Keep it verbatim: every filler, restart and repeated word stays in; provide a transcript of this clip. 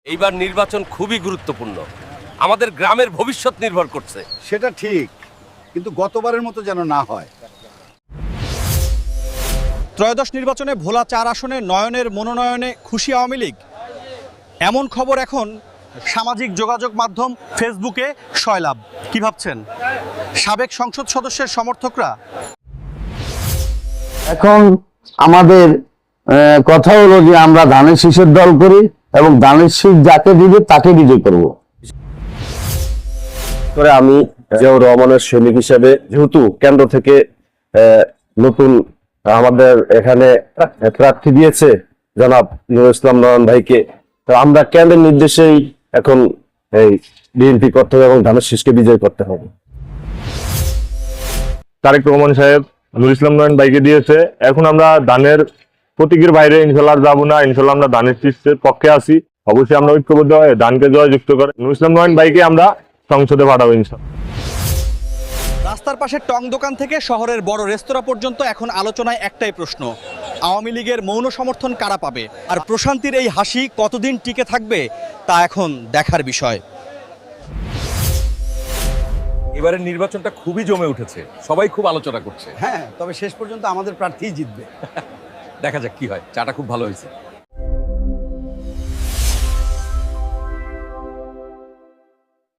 এইবার নির্বাচন খুবই গুরুত্বপূর্ণ। আমাদের গ্রামের ভবিষ্যৎ নির্ভর করছে। সেটা ঠিক, কিন্তু গতবারের মতো যেন না হয়। ত্রয়োদশ নির্বাচনে ভোলা চার আসনে নয়নের মনোনয়নে খুশি আওয়ামী লীগ, এমন খবর এখন সামাজিক যোগাযোগ মাধ্যম ফেসবুকে সয়লাভ। কি ভাবছেন সাবেক সংসদ সদস্যের সমর্থকরা? এখন আমাদের আহ, কথা হলো যে আমরা ধানের শীষের দল করি এবং ধানের শীষ যাকে দিবে তাকে বিজয় করব। করে আমি জিয়াউর রহমানের সৈনিক হিসেবে, যেহেতু কেন্দ্র থেকে আহ, নতুন আমাদের এখানে প্রার্থী দিয়েছে জনাব নুরুল ইসলাম নয়ন ভাইকে, তো আমরা কেন্দ্রের নির্দেশেই এখন এই বিএনপি করতে হবে এবং ধানের শীষকে বিজয় করতে হবে। তারেক রহমান সাহেব নুরুল ইসলাম নয়ন ভাইকে দিয়েছে, এখন আমরা ধানের প্রতীকের বাইরে ইনশাল্লাহ যাবো না। ইনশাল্লাহ আমরা ধানের শীষের পক্ষে আছি। অবশ্যই আমরা ঐক্যবদ্ধ হয়ে ধানকে জয়যুক্ত করে নুরুল ইসলাম নয়ন ভাইকে আমরা সংসদে পাঠাবো ইনশাল্লাহ। রাস্তার পাশে টং দোকান থেকে শহরের বড় রেস্তোরাঁ পর্যন্ত এখন আলোচনায় একটাই প্রশ্ন, আওয়ামী লীগের মৌন সমর্থন কারা পাবে? আর প্রশান্তির এই হাসি কতদিন টিকে থাকবে তা এখন দেখার বিষয়। এবারের নির্বাচনটা খুবই জমে উঠেছে, সবাই খুব আলোচনা করছে। হ্যাঁ, তবে শেষ পর্যন্ত আমাদের প্রার্থীই জিতবে। দেখা যাক কি হয়। চাটা খুব ভালো হয়েছে।